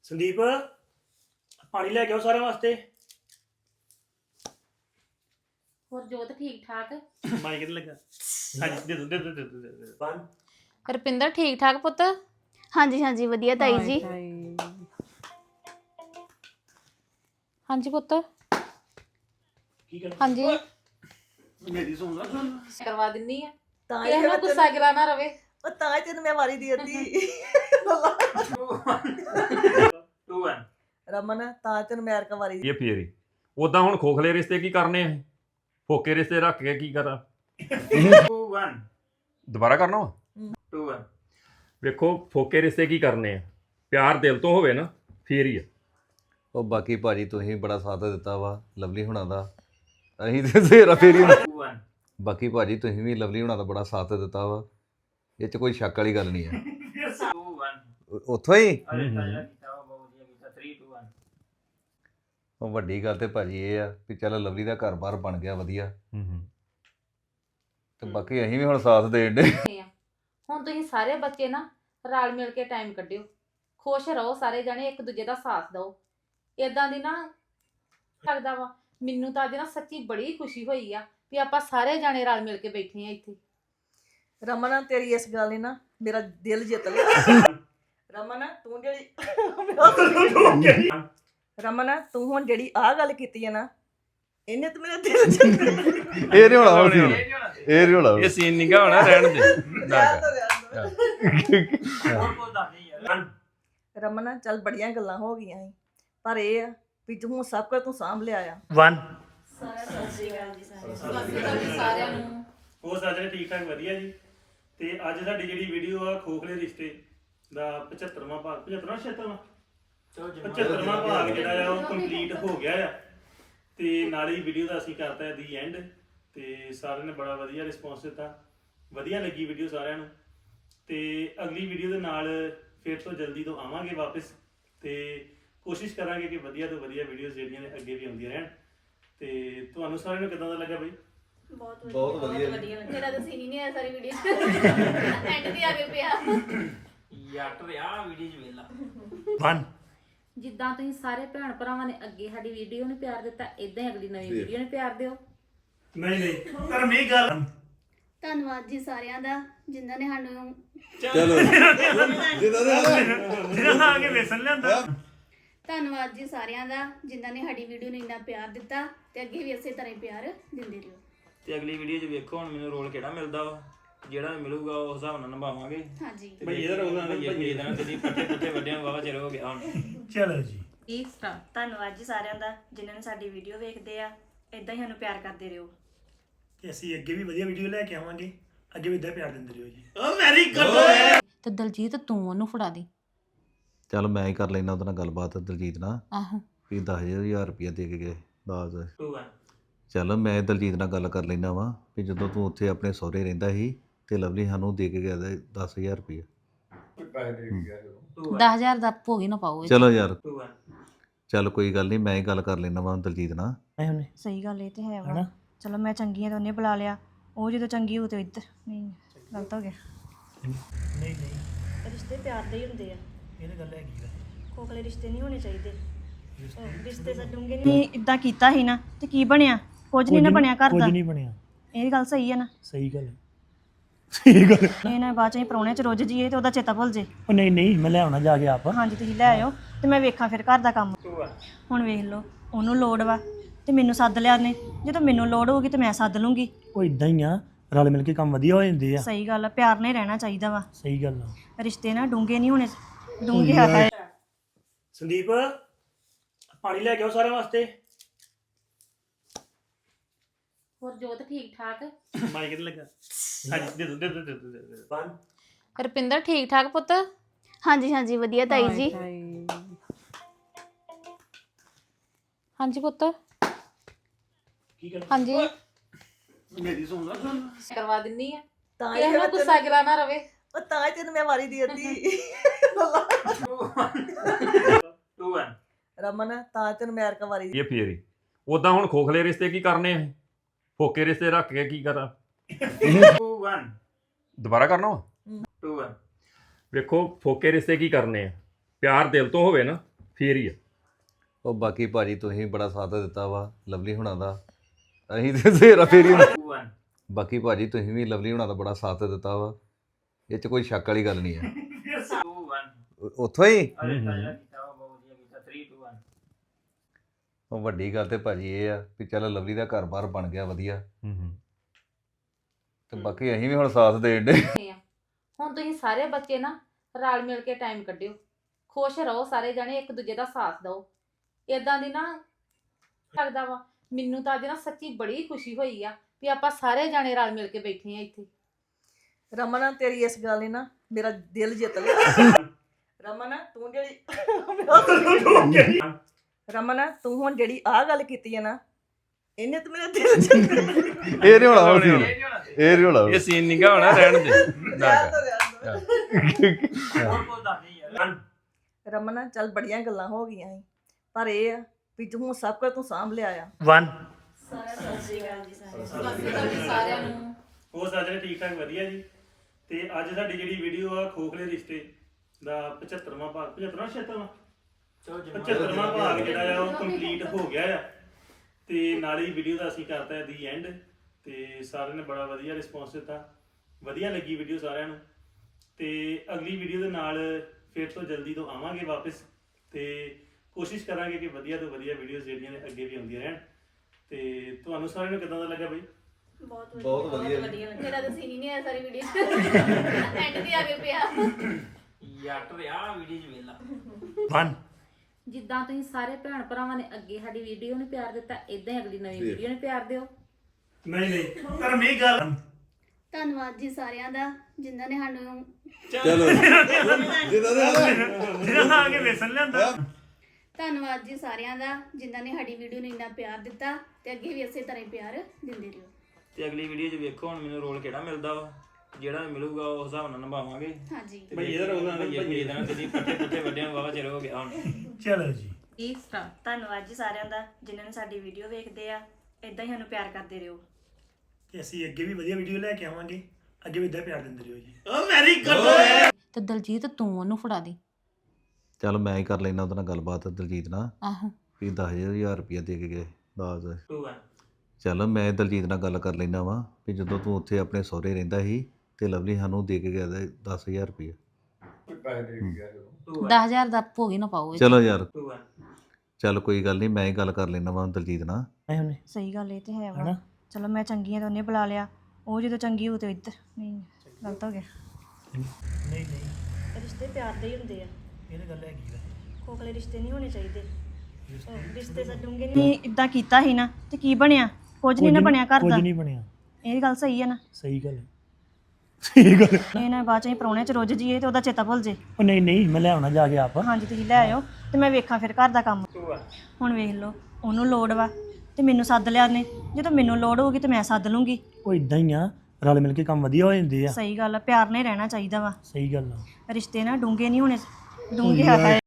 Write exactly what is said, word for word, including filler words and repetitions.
ਸੰਦੀਪ ਪਾਣੀ ਲੈ ਕੇ ਆਓ ਸਾਰਿਆਂ ਵਾਸਤੇ। ਹੋਰ ਜੋਤ ਠੀਕ ਠਾਕ? ਮਾਈ ਕਿੱਥੇ ਲੱਗਾ? ਹਾਂਜੀ ਦੇ ਦੋ ਦੇ ਦੋ ਦੇ ਦੋ, ਦੇ ਦੋ ਬੰਨ। ਰੁਪਿੰਦਰ ਠੀਕ ਠਾਕ ਪੁੱਤ? ਹਾਂਜੀ ਹਾਂਜੀ ਵਧੀਆ ਤਾਈ ਜੀ। ਹਾਂਜੀ ਪੁੱਤ। ਕੀ ਕਰ ਹਾਂਜੀ ਮੇਰੀ ਸੁਣ ਲਾ ਸੁਣ ਕਰਵਾ ਦਿੰਨੀ ਆ ਤਾਂ ਕਿਸੇ ਨੂੰ ਗੁੱਸਾ ਗਿਲਾ ਨਾ ਰਵੇ। ਉਹ ਤਾਂ ਹੀ ਤੈਨੂੰ ਮੈਂ ਵਾਰੀ ਦੀ ਅੱਧੀ ਟੂ ਵਨ। ਰਮਨ ਤਾਂ ਤੈਨੂੰ ਮੈਂ ਅਰਕਾ ਵਾਰੀ ਇਹ ਫੇਰੀ ਉਦਾਂ ਹੁਣ ਖੋਖਲੇ ਰਿਸ਼ਤੇ ਕੀ ਕਰਨੇ ਆ ਫੋਕੇ ਰਿਸ਼ਤੇ ਰੱਖ ਕੇ ਕੀ ਕਰਾਂ ਟੂ ਵਨ। ਦੁਬਾਰਾ ਕਰਨਾ ਵਾ ਟੂ ਵਨ। ਵੇਖੋ ਫੋਕੇ ਰਿਸ਼ਤੇ ਕੀ ਕਰਨੇ ਆ ਪਿਆਰ ਦਿਲ ਤੋਂ ਹੋਵੇ ਨਾ ਫੇਰ ਹੀ ਆ। ਉਹ ਬਾਕੀ ਭਾਜੀ ਤੁਸੀਂ ਬੜਾ ਸਾਥ ਦਿੱਤਾ ਵਾ ਲਵਲੀ ਹੁਣਾਂ ਦਾ ਅਸੀਂ ਤੇ ਸੇਰਾ ਫੇਰੀ ਟੂ ਵਨ। ਬਾਕੀ ਭਾਜੀ ਤੁਸੀਂ ਵੀ ਲਵਲੀ ਹੁਣਾਂ ਦਾ ਬੜਾ ਸਾਥ ਦਿੱਤਾ ਵਾ ਇਹ 'ਚ ਕੋਈ ਸ਼ੱਕ ਵਾਲੀ ਗੱਲ ਨਹੀਂ ਹੈ ਟੂ ਵਨ। ਉ- ਉੱਥੋਂ ਹੀ ਅਰੇ ਤਾਇਆ ਕੀਤਾ ਵਾ ਬਹੁਤ ਵਧੀਆ ਕੀਤਾ। Three two one. ਉਹ ਵੱਡੀ ਗੱਲ ਤੇ ਭਾਜੀ ਇਹ ਆ ਵੀ ਚੱਲ ਲਵਲੀ ਦਾ ਘਰ-ਬਾਰ ਬਣ ਗਿਆ ਵਧੀਆ ਤੇ ਬਾਕੀ ਅਸੀਂ ਵੀ ਹੁਣ ਸਾਥ ਦੇਣ ਦੇ ਹੁਣ ਤੁਸੀਂ ਸਾਰੇ ਬੱਚੇ ਨਾ ਰਲ ਮਿਲ ਕੇ ਟਾਈਮ ਕੱਢਿਓ, ਖੁਸ਼ ਰਹੋ ਸਾਰੇ ਜਣੇ, ਇੱਕ ਦੂਜੇ ਦਾ ਸਾਥ ਦਿਓ। ਇਦਾਂ ਦੀ ਨਾ ਲੱਗਦਾ ਵਾ ਮੈਨੂੰ ਤਾਂ ਅੱਜ ਨਾ ਸੱਚੀ ਬੜੀ ਖੁਸ਼ੀ ਹੋਈ ਆ ਵੀ ਆਪਾਂ ਸਾਰੇ ਜਣੇ ਰਲ ਮਿਲ ਕੇ ਬੈਠੇ ਆ ਇੱਥੇ। ਰਮਨ ਤੇਰੀ ਇਸ ਗੱਲ ਨੇ ਨਾ ਮੇਰਾ ਦਿਲ ਜਿੱਤ ਲਿਆ ਰਮਨ ਤੂੰ ਜਿਹੜੀ ਰਮਨ ਤੂੰ ਹੁਣ ਜਿਹੜੀ ਆਹ ਗੱਲ ਕੀਤੀ ਹੈ ਨਾ ਇਹਨੇ ਤਾਂ ਮੇਰਾ ਦਿਲ ਜਿੱਤ ਲਿਆ ਇਹ ਨਹੀਂ ਹੋਣਾ ਉਹ ਸੀਨ ਇਹ ਨਹੀਂ ਹੋਣਾ ਇਹ ਸੀਨ ਨਿਗਾ ਹੋਣਾ ਰਹਿਣ ਦੇ ਨਾ ਰਹਿਣ ਕਰ। ਦਿਓ, ਰਹਿਣ ਦਿਓ। ਹੋਰ ਕੋਈ ਦੱਸ ਨਹੀਂ ਯਾਰ। ਰਮਨ ਚੱਲ ਬੜੀਆਂ ਗੱਲਾਂ ਹੋ ਗਈਆਂ ਸੀ ਪਰ ਇਹ ਆ ਵੀ ਤੂੰ ਸਭ ਕੁਝ ਤੂੰ ਸਾਂਭ ਲਿਆ ਆ ਵਨ। ਸਾਰਿਆਂ ਨੂੰ ਹੋਰ ਸਾਰੇ ਠੀਕ ਠਾਕ ਵਧੀਆ ਜੀ। ਤੇ ਅੱਜ ਸਾਡੀ ਜਿਹੜੀ ਵੀਡੀਓ ਆ ਖੋਖਲੇ ਰਿਸ਼ਤੇ ਦਾ ਪਝੱਤਰਵਾਂ ਭਾਗ ਪਝੱਤਰਵਾਂ ਛਿਅੱਤਰਵਾਂ ਪਝੱਤਰਵਾਂ ਭਾਗ ਜਿਹੜਾ ਆ ਉਹ ਕੰਪਲੀਟ ਹੋ ਗਿਆ ਆ ਤੇ ਨਾਲ ਹੀ ਵੀਡੀਓ ਦਾ ਅਸੀਂ ਕਰਤਾ ਹੈ ਦੀ ਐਂਡ ਤੇ ਸਾਰਿਆਂ ਨੇ ਬੜਾ ਵਧੀਆ ਰਿਸਪੌਂਸ ਦਿੱਤਾ। ਵਧੀਆ ਲੱਗੀ ਵੀਡੀਓ ਸਾਰਿਆਂ ਨੂੰ ਤੇ ਅਗਲੀ ਵੀਡੀਓ ਦੇ ਨਾਲ ਫਿਰ ਤੋਂ ਜਲਦੀ ਤੋਂ ਆਵਾਂਗੇ ਵਾਪਸ ਤੇ ਕੋਸ਼ਿਸ਼ ਕਰਾਂਗੇ ਕਿ ਵਧੀਆ ਤੋਂ ਵਧੀਆ ਵੀਡੀਓਜ਼ ਜਿਹੜੀਆਂ ਨੇ ਅੱਗੇ ਵੀ ਆਉਂਦੀਆਂ ਰਹਿਣ। ਤੇ ਤੁਹਾਨੂੰ ਸਾਰਿਆਂ ਨੂੰ ਕਿਦਾਂ ਦਾ ਲੱਗਾ ਬਈ? ਬਹੁਤ ਬਹੁਤ ਵਧੀਆ ਮੇਰਾ ਤਾਂ ਸੀਨ ਹੀ ਨਹੀਂ ਆਇਆ ਸਾਰੀ ਵੀਡੀਓ ਐਂਡ ਤੇ ਆ ਕੇ ਪਿਆ ਯਾਰ ਯਾ ਵੀਡੀਓ ਚ ਵੇਲਾ ਵਨ। ਜਿੱਦਾਂ ਤੁਸੀਂ ਸਾਰੇ ਭੈਣ ਭਰਾਵਾਂ ਨੇ ਅੱਗੇ ਸਾਡੀ ਵੀਡੀਓ ਨੂੰ ਪਿਆਰ ਦਿੱਤਾ, ਇਦਾਂ ਹੀ ਅਗਲੀ ਨਵੀਂ ਵੀਡੀਓ ਨੂੰ ਪਿਆਰ ਦਿਓ। ਨਹੀਂ ਨਹੀਂ ਪਰ ਨਹੀਂ ਗੱਲ ਧੰਨਵਾਦ ਜੀ ਸਾਰਿਆਂ ਦਾ ਜਿਨ੍ਹਾਂ ਨੇ ਸਾਨੂੰ ਜਿਹਨਾਂ ਆ ਕੇ ਵੇਸਣ ਲਿਆਂਦਾ। ਧੰਨਵਾਦ ਜੀ ਸਾਰਿਆਂ ਦਾ ਜਿਨ੍ਹਾਂ ਨੇ ਸਾਡੀ ਵੀਡੀਓ ਨੂੰ ਇੰਨਾ ਪਿਆਰ ਦਿੱਤਾ ਤੇ ਅੱਗੇ ਵੀ ਇਸੇ ਤਰ੍ਹਾਂ ਹੀ ਪਿਆਰ ਦਿੰਦੇ ਰਹੋ। ਤੇ ਅਗਲੀ ਵੀਡੀਓ 'ਚ ਵੇਖੋ ਹੁਣ ਮੈਨੂੰ ਰੋਲ ਕਿਹੜਾ ਮਿਲਦਾ ਵਾ, ਜਿਹੜਾ ਮਿਲੂਗਾ ਉਸ ਹਿਸਾਬ ਨਾਲ ਨਿਭਾਵਾਂਗੇ। ਹਾਂਜੀ ਬਈ ਇਹਦਾ ਰੋਲ ਨਾ ਭਈਏ ਦਾ ਤੇਰੀ ਪੱਠੇ ਪੁੱਠੇ ਵੱਡਿਆਂ ਨੂੰ ਵਾਵਾ ਚਿਰ ਹੋ ਗਿਆ ਹੁਣ। ਚਲੋ ਜੀ ਇਹ ਸਟਾਰਟ। ਧੰਨਵਾਦ ਜੀ ਸਾਰਿਆਂ ਦਾ ਜਿਨ੍ਹਾਂ ਨੇ ਸਾਡੀ ਵੀਡੀਓ ਵੇਖਦੇ ਆ ਇਦਾਂ ਹੀ ਸਾਨੂੰ ਪਿਆਰ ਕਰਦੇ ਰਹੋ ਤੇ ਅਸੀਂ ਅੱਗੇ ਵੀ ਵਧੀਆ ਵੀਡੀਓ ਲੈ ਕੇ ਆਵਾਂਗੇ, ਅੱਗੇ ਵੀ ਇਦਾਂ ਪਿਆਰ ਦਿੰਦੇ ਰਹੋ ਜੀ। Oh very good. ਤੇ ਦਲਜੀਤ ਤੂੰ ਉਹਨੂੰ ਫੜਾ ਦੇ। ਚੱਲ ਮੈਂ ਹੀ ਕਰ ਲੈਣਾ ਉਹਦੇ ਨਾਲ ਗੱਲਬਾਤ ਦਲਜੀਤ ਨਾਲ ਆਹੋ ਵੀ ਦਸ ਹਜ਼ਾਰ ਰੁਪਇਆ ਦੇ ਕੇ ਗਏ ਦੱਸ ਟੂ ਵਨ। ਚੱਲ ਮੈਂ ਦਲਜੀਤ ਨਾਲ ਗੱਲ ਕਰ ਲੈਣਾ ਵਾ ਵੀ ਜਦੋਂ ਤੂੰ ਉੱਥੇ ਆਪਣੇ ਸਹੁਰੇ ਰਹਿੰਦਾ ਸੀ ਤੇ ਲਵਲੀ ਸਾਨੂੰ ਦੇ ਕੇ ਗਿਆ ਦਸ ਹਜ਼ਾਰ ਰੁਪਇਆ ਦਸ ਹਜ਼ਾਰ ਦਾ ਭੋਗ ਹੀ ਨਾ ਪਾਓ ਇਹ 'ਚ। ਚਲੋ ਯਾਰ ਟੂ ਵਨ। ਚੱਲ ਕੋਈ ਗੱਲ ਨਹੀਂ ਮੈਂ ਹੀ ਗੱਲ ਕਰ ਲੈਣਾ ਵਾ ਦਲਜੀਤ ਨਾਲ ਸਹੀ ਗੱਲ ਇਹ ਤੇ ਹੈ ਵਾ ਚਲੋ ਮੈਂ ਚੰਗੀ ਆ ਤਾਂ ਉਹਨੇ ਬੁਲਾ ਲਿਆ ਉਹ ਜਦੋਂ ਚੰਗੀ ਹੋ ਤੇ ਇੱਧਰ ਨਹੀਂ ਗਲਤ ਹੋ ਗਿਆ ਨਹੀਂ ਨਹੀਂ ਰਿਸ਼ਤੇ ਪਿਆਰ ਦੇ ਹੀ ਹੁੰਦੇ ਆ ਇਹ ਤਾਂ ਗੱਲ ਹੈਗੀ ਆ। ਖੋਖਲੇ ਰਿਸ਼ਤੇ ਨਹੀਂ ਹੋਣੇ ਚਾਹੀਦੇ ਉਹ ਰਿਸ਼ਤੇ ਸੱਡੂਗੇ ਨਹੀਂ ਇਦਾਂ ਕੀਤਾ ਸੀ ਨਾ ਤੇ ਕੀ ਬਣਿਆ ਕੁਝ ਨਹੀਂ ਨਾ ਬਣਿਆ ਘਰ ਦਾ ਕੁਝ ਨਹੀਂ ਬਣਿਆ। ਇਹ ਗੱਲ ਸਹੀ ਆ ਨਾ ਸਹੀ ਗੱਲ ਹੈ। ਸਹੀ ਗੱਲ। ਇਹ ਨਾ ਬਾਅਦ ਚ ਅਸੀਂ ਪ੍ਰਾਹੁਣਿਆਂ ਚ ਰੁੱਝ ਜੀਏ ਤੇ ਉਹਦਾ ਚੇਤਾ ਭੁੱਲ ਜੇ। ਉਹ ਨਹੀਂ ਨਹੀਂ ਮੈਂ ਲੈ ਆਉਣਾ ਜਾ ਕੇ ਆਪ। ਹਾਂਜੀ ਤੁਸੀਂ ਲੈ ਆਇਓ ਤੇ ਮੈਂ ਵੇਖਾਂ ਫਿਰ ਘਰ ਦਾ ਕੰਮ। Two one. ਹੁਣ ਵੇਖ ਲਓ ਉਹਨੂੰ ਲੋੜ ਵਾ ਤੇ ਮੈਨੂੰ ਸੱਦ ਲਿਆ ਨੇ ਜਦੋਂ ਮੈਨੂੰ ਲੋੜ ਹੋਊਗੀ ਤੇ ਮੈਂ ਸੱਦ ਲੂੰਗੀ। ਉਹ ਇਦਾਂ ਹੀ ਆ ਰਲ ਮਿਲ ਕੇ ਕੰਮ ਵਧੀਆ ਹੋ ਜਾਂਦੇ ਆ। ਸਹੀ ਗੱਲ ਆ ਪਿਆਰ ਨਾਲ ਹੀ ਰਹਿਣਾ ਚਾਹੀਦਾ ਵਾ ਸਹੀ ਗੱਲ ਆ। ਰਿਸ਼ਤੇ ਨਾ ਡੂੰਘੇ ਨਹੀਂ ਹੋਣੇ ਡੂੰਘੇ ਹੈ ਸੰਦੀਪ ਪਾਣੀ ਲੈ ਕੇ ਆਓ ਸਾਰਿਆਂ ਵਾਸਤੇ। ਹੋਰ ਜੋਤ ਠੀਕ ਠਾਕ? ਮਾਈ ਕਿੱਥੇ ਲੱਗਾ? ਹਾਂਜੀ ਦੇ ਦੋ ਦੇ ਦੋ ਦੇ ਦੋ, ਦੇ ਦੋ ਵਨ। ਰੁਪਿੰਦਰ ਠੀਕ ਠਾਕ ਪੁੱਤ? ਹਾਂਜੀ ਹਾਂਜੀ ਵਧੀਆ ਤਾਈ ਜੀ। ਹਾਂਜੀ ਪੁੱਤ। ਕੀ ਕਰ ਹਾਂਜੀ ਮੇਰੀ ਸੁਣ ਲਾ ਸੁਣ ਕਰਵਾ ਦਿੰਨੀ ਆ ਤਾਂ ਹੀ ਕਿਸੇ ਨੂੰ ਗੁੱਸਾ ਗਿਲਾ ਨਾ ਰਵੇ। ਉਹ ਤਾਂ ਹੀ ਤੈਨੂੰ ਮੈਂ ਵਾਰੀ ਦੀ ਅੱਧੀ ਟੂ ਵਨ। ਰਮਨ ਤਾਂ ਤੈਨੂੰ ਮੈਂ ਅਰਕਾ ਵਾਰੀ ਇਹ ਫੇਰੀ ਉਦਾਂ ਹੁਣ ਖੋਖਲੇ ਰਿਸ਼ਤੇ ਕੀ ਕਰਨੇ ਆ ਫੋਕੇ ਰਿਸ਼ਤੇ ਰੱਖ ਕੇ ਕੀ ਕਰਾਂ ਟੂ ਵਨ। ਦੁਬਾਰਾ ਕਰਨਾ ਵਾ ਟੂ ਵਨ। ਵੇਖੋ ਫੋਕੇ ਰਿਸ਼ਤੇ ਕੀ ਕਰਨੇ ਆ ਪਿਆਰ ਦਿਲ ਤੋਂ ਹੋਵੇ ਨਾ ਫੇਰ ਹੀ ਆ। ਉਹ ਬਾਕੀ ਭਾਜੀ ਤੁਸੀਂ ਬੜਾ ਸਾਥ ਦਿੱਤਾ ਵਾ ਲਵਲੀ ਹੁਣਾਂ ਦਾ। ਅਸੀਂ ਤੇ ਸੇਰਾ ਫੇਰੀ ਹੋਣਾ। ਟੂ ਵਨ ਬਾਕੀ ਭਾਜੀ ਤੁਸੀਂ ਵੀ ਲਵਲੀ ਹੁਣਾਂ ਦਾ ਬੜਾ ਸਾਥ ਦਿੱਤਾ ਵਾ, ਇਹ 'ਚ ਕੋਈ ਸ਼ੱਕ ਵਾਲੀ ਗੱਲ ਨਹੀਂ ਹੈ। ਟੂ ਵਨ ਉ- ਉੱਥੋਂ ਹੀ ਅਰੇ ਤਾਇਆ ਕੀਤਾ ਵਾ, ਬਹੁਤ ਵਧੀਆ ਕੀਤਾ ਥ੍ਰੀ ਟੂ ਵਨ ਉਹ ਵੱਡੀ ਗੱਲ ਤੇ ਭਾਜੀ ਇਹ ਆ ਵੀ ਚੱਲ ਲਵਲੀ ਦਾ ਘਰ-ਬਾਰ ਬਣ ਗਿਆ ਵਧੀਆ, ਹੂੰ ਹੂੰ ਤੇ ਬਾਕੀ ਅਸੀਂ ਵੀ ਹੁਣ ਸਾਥ ਦੇਣ ਦੇ। ਆ। ਹੁਣ ਤੁਸੀਂ ਸਾਰੇ ਬੱਚੇ ਨਾ ਰਲ ਮਿਲ ਕੇ ਟਾਈਮ ਕੱਢਿਓ, ਖੁਸ਼ ਰਹੋ ਸਾਰੇ ਜਣੇ, ਇੱਕ ਦੂਜੇ ਦਾ ਸਾਥ ਦਿਓ। ਇਦਾਂ ਦੀ ਨਾ ਲੱਗਦਾ ਵਾ ਮੈਨੂੰ ਤਾਂ ਅੱਜ ਨਾ ਸੱਚੀ ਬੜੀ ਖੁਸ਼ੀ ਹੋਈ ਆ ਵੀ ਆਪਾਂ ਸਾਰੇ ਜਣੇ ਰਲ ਮਿਲ ਕੇ ਬੈਠੇ ਆ ਇੱਥੇ। ਰਮਨ ਤੇਰੀ ਇਸ ਗੱਲ ਨੇ ਨਾ ਮੇਰਾ ਦਿਲ ਜਿੱਤ ਲਿਆ। ਰਮਨ ਤੂੰ ਜਿਹੜੀ ਰਮਨ ਤੂੰ ਹੁਣ ਜਿਹੜੀ ਆਹ ਗੱਲ ਕੀਤੀ ਹੈ ਨਾ, ਇਹਨੇ ਤਾਂ ਮੇਰਾ ਦਿਲ ਜਿੱਤ ਲਿਆ। ਇਹ ਨਹੀਂ ਹੋਣਾ ਉਹ ਸੀਨ, ਇਹ ਨਹੀਂ ਹੋਣਾ। ਇਹ ਸੀਨ ਨਿਗਾ ਹੋਣਾ, ਰਹਿਣ ਦੇ ਨਾ ਰਹਿਣ ਕਰ। ਦਿਓ, ਰਹਿਣ ਦਿਓ। ਹੋਰ ਕੋਈ ਦੱਸ ਨਹੀਂ ਯਾਰ ਰਮਨ ਚੱਲ ਬੜੀਆਂ ਗੱਲਾਂ ਹੋ ਗਈਆਂ ਸੀ, ਪਰ ਇਹ ਆ ਵੀ ਤੂੰ ਸਭ ਕੁਝ ਤੂੰ ਸਾਂਭ ਲਿਆ ਆ। ਵਨ ਸਾਰਿਆਂ ਨੂੰ ਹੋਰ ਸਾਰੇ ਠੀਕ ਠਾਕ ਵਧੀਆ ਜੀ। ਤੇ ਅੱਜ ਸਾਡੀ ਜਿਹੜੀ ਵੀਡੀਓ ਆ ਖੋਖਲੇ ਰਿਸ਼ਤੇ ਦਾ ਪਝੱਤਰਵਾਂ ਭਾਗ ਪਝੱਤਰਵਾਂ ਛਿਅੱਤਰਵਾਂ ਪਝੱਤਰਵਾਂ ਭਾਗ ਜਿਹੜਾ ਆ ਉਹ ਕੰਪਲੀਟ ਹੋ ਗਿਆ ਆ, ਤੇ ਨਾਲ ਹੀ ਵੀਡੀਓ ਦਾ ਅਸੀਂ ਕਰਤਾ ਹੈ ਦੀ ਐਂਡ। ਤੇ ਸਾਰਿਆਂ ਨੇ ਬੜਾ ਵਧੀਆ ਰਿਸਪੌਂਸ ਦਿੱਤਾ, ਵਧੀਆ ਲੱਗੀ ਵੀਡੀਓ ਸਾਰਿਆਂ ਨੂੰ। ਤੇ ਅਗਲੀ ਵੀਡੀਓ ਦੇ ਨਾਲ ਫਿਰ ਤੋਂ ਜਲਦੀ ਤੋਂ ਆਵਾਂਗੇ ਵਾਪਸ, ਤੇ ਕੋਸ਼ਿਸ਼ ਕਰਾਂਗੇ ਕਿ ਵਧੀਆ ਤੋਂ ਵਧੀਆ ਵੀਡੀਓਜ਼ ਜਿਹੜੀਆਂ ਨੇ ਅੱਗੇ ਵੀ ਆਉਂਦੀਆਂ ਰਹਿਣ। ਤੇ ਤੁਹਾਨੂੰ ਸਾਰਿਆਂ ਨੂੰ ਕਿੱਦਾਂ ਦਾ ਲੱਗਾ ਬਈ? ਬਹੁਤ ਬਹੁਤ ਵਧੀਆ। ਮੇਰਾ ਤਾਂ ਸੀਨ ਹੀ ਨਹੀਂ ਆਇਆ ਸਾਰੀ ਵੀਡੀਓ ਐਂਡ ਤੇ ਆ ਕੇ ਪਿਆ। ਯਾਰ ਰਿਆ ਵੀਡੀਓ ਚ ਵੇਲਾ ਵਨ ਜਿੱਦਾਂ ਤੁਸੀਂ ਸਾਰੇ ਭੈਣ ਭਰਾਵਾਂ ਨੇ ਅੱਗੇ ਸਾਡੀ ਵੀਡੀਓ ਨੂੰ ਪਿਆਰ ਦਿੱਤਾ, ਇਦਾਂ ਹੀ ਅਗਲੀ ਨਵੀਂ ਵੀਡੀਓ ਨੂੰ ਪਿਆਰ ਦਿਓ। ਨਹੀਂ ਨਹੀਂ ਪਰ ਮੇਰੀ ਗੱਲ ਧੰਨਵਾਦ ਜੀ ਸਾਰਿਆਂ ਦਾ ਜਿਨ੍ਹਾਂ ਨੇ ਸਾਨੂੰ ਜਿਹਨਾਂ ਆ ਕੇ ਵੇਸਣ ਲਿਆਂਦਾ। ਧੰਨਵਾਦ ਜੀ ਸਾਰਿਆਂ ਦਾ ਜਿਨ੍ਹਾਂ ਨੇ ਸਾਡੀ ਵੀਡੀਓ ਨੂੰ ਇੰਨਾ ਪਿਆਰ ਦਿੱਤਾ, ਤੇ ਅੱਗੇ ਵੀ ਇਸੇ ਤਰ੍ਹਾਂ ਹੀ ਪਿਆਰ ਦਿੰਦੇ ਰਹੋ। ਤੇ ਅਗਲੀ ਵੀਡੀਓ ਚ ਵੇਖੋ ਹੁਣ ਮੈਨੂੰ ਰੋਲ ਕਿਹੜਾ ਮਿਲਦਾ ਵਾ, ਜਿਹੜਾ ਮਿਲੂਗਾ ਉਸ ਹਿਸਾਬ ਨਾਲ ਨਿਭਾਵਾਂਗੇ। ਹਾਂਜੀ ਤੇ ਭਈਏ ਦਾ ਰੋਲ ਭਈਏ ਭਈਏ ਦਾ ਕਦੀ ਪੱਟੇ ਪੁੱਟੇ ਵੱਡਿਆਂ ਨੂੰ ਵਾਵਾ ਚਿਰ ਹੋ ਗਿਆ ਹੁਣ। ਚਲੋ ਜੀ ਜੀ ਸਟਾਰਟ। ਧੰਨਵਾਦ ਜੀ ਸਾਰਿਆਂ ਦਾ ਜਿਨ੍ਹਾਂ ਨੇ ਸਾਡੀ ਵੀਡੀਓ ਵੇਖਦੇ ਆ, ਇਦਾਂ ਹੀ ਸਾਨੂੰ ਪਿਆਰ ਕਰਦੇ ਰਹੋ। ਤੇ ਅਸੀਂ ਅੱਗੇ ਵੀ ਵਧੀਆ ਵੀਡੀਓ ਲੈ ਕੇ ਆਵਾਂਗੇ, ਅੱਗੇ ਵੀ ਇਦਾਂ ਪਿਆਰ ਦਿੰਦੇ ਰਹੋ ਜੀ। Oh very good. ਤੇ ਦਲਜੀਤ ਤੂੰ ਉਹਨੂੰ ਫੜਾ ਦੇ। ਚੱਲ ਮੈਂ ਹੀ ਕਰ ਲੈਣਾ ਉਹਦੇ ਨਾਲ ਗੱਲਬਾਤ ਦਲਜੀਤ ਨਾਲ, ਆਹੋ ਵੀ ਦਸ ਹਜ਼ਾਰ ਰੁਪਇਆ ਦੇ ਕੇ ਗਏ ਦੱਸ। ਟੂ ਵਨ ਚੱਲ ਮੈਂ ਦਲਜੀਤ ਨਾਲ ਗੱਲ ਕਰ ਲੈਣਾ ਵਾ ਵੀ ਜਦੋਂ ਤੂੰ ਉੱਥੇ ਆਪਣੇ ਸਹੁਰੇ ਰਹਿੰਦਾ ਸੀ ਤੇ ਲਵਲੀ ਸਾਨੂੰ ਦੇ ਕੇ ਗਿਆ ਦਸ ਹਜ਼ਾਰ ਰੁਪਇਆ। ਟੂ ਵਨ ਦਸ ਹਜ਼ਾਰ ਦਾ ਭੋਗ ਹੀ ਨਾ ਪਾਓ ਇਹ 'ਚ। ਚਲੋ ਯਾਰ ਟੂ ਵਨ ਚੱਲ ਕੋਈ ਗੱਲ ਨਹੀਂ, ਮੈਂ ਹੀ ਗੱਲ ਕਰ ਲੈਣਾ ਵਾ ਦਲਜੀਤ ਨਾਲ। ਉਹਨੇ ਸਹੀ ਗੱਲ ਇਹ ਤੇ ਹੈ ਵਾ। ਹਨਾ? ਚਲੋ ਮੈਂ ਚੰਗੀ ਆ ਤਾਂ ਉਹਨੇ ਬੁਲਾ ਲਿਆ, ਉਹ ਜਦੋਂ ਚੰਗੀ ਹੋ ਤੇ ਇੱਧਰ ਨਹੀਂ, ਗਲਤ ਹੋ ਗਿਆ। ਨਹੀਂ ਨਹੀਂ ਰਿਸ਼ਤੇ ਪਿਆਰ ਦੇ ਹੀ ਹੁੰਦੇ ਆ, ਇਹ ਤਾਂ ਗੱਲ ਹੈਗੀ ਵੈਸੇ। ਖੋਖਲੇ ਰਿਸ਼ਤੇ ਨਹੀਂ ਹੋਣੇ ਚਾਹੀਦੇ। ਰਿਸ਼ਤੇ ਸੱਡੂਗੇ ਨਹੀਂ ਇਦਾਂ ਕੀਤਾ ਸੀ ਨਾ, ਤੇ ਕੀ ਬਣਿਆ? ਕੁਝ ਨਹੀਂ ਨਾ ਬਣਿਆ ਘਰ ਕੁਝ ਦਾ। ਨਹੀਂ ਬਣਿਆ। ਇਹ ਗੱਲ ਸਹੀ ਹੈ ਨਾ? ਸਹੀ ਗੱਲ ਹੈ। ਸਹੀ ਗੱਲ ਹੈ। ਇਹ ਨਾ ਬਾਅਦ ਚ ਅਸੀਂ ਪ੍ਰਾਹੁਣੇ ਚ ਰੁੱਝ ਜੀਏ ਤੇ ਉਹਦਾ ਚੇਤਾ ਭੁੱਲ ਜੇ। ਉਹ ਨਹੀਂ ਨਹੀਂ ਮੈਂ ਲੈ ਆਉਣਾ ਜਾ ਕੇ ਆਪ। ਹਾਂਜੀ ਤੁਸੀਂ ਲੈ ਆਇਓ ਤੇ ਮੈਂ ਵੇਖਾਂ ਫਿਰ ਘਰ ਦਾ ਕੰਮ। ਟੂ ਵਨ ਹੁਣ ਵੇਖ ਲਓ, ਉਹਨੂੰ ਲੋੜ ਵਾ ਤੇ ਮੈਨੂੰ ਸੱਦ ਲਿਆ ਨੇ, ਜਦੋਂ ਮੈਨੂੰ ਲੋੜ ਹੋਊਗੀ ਤੇ ਮੈਂ ਸੱਦ ਲੂੰਗੀ। ਉਹ ਇਦਾਂ ਹੀ ਆ, ਰਲ ਮਿਲ ਕੇ ਕੰਮ ਵਧੀਆ ਹੋ ਜਾਂਦੇ ਆ। ਸਹੀ ਗੱਲ ਆ, ਪਿਆਰ ਨਾਲ ਹੀ ਰਹਿਣਾ ਚਾਹੀਦਾ ਵਾ। ਸਹੀ ਗੱਲ ਆ। ਰਿਸ਼ਤੇ ਨਾ ਡੂੰਘੇ ਨਹੀਂ ਹੋਣੇ, ਡੂੰਘੇ ਆ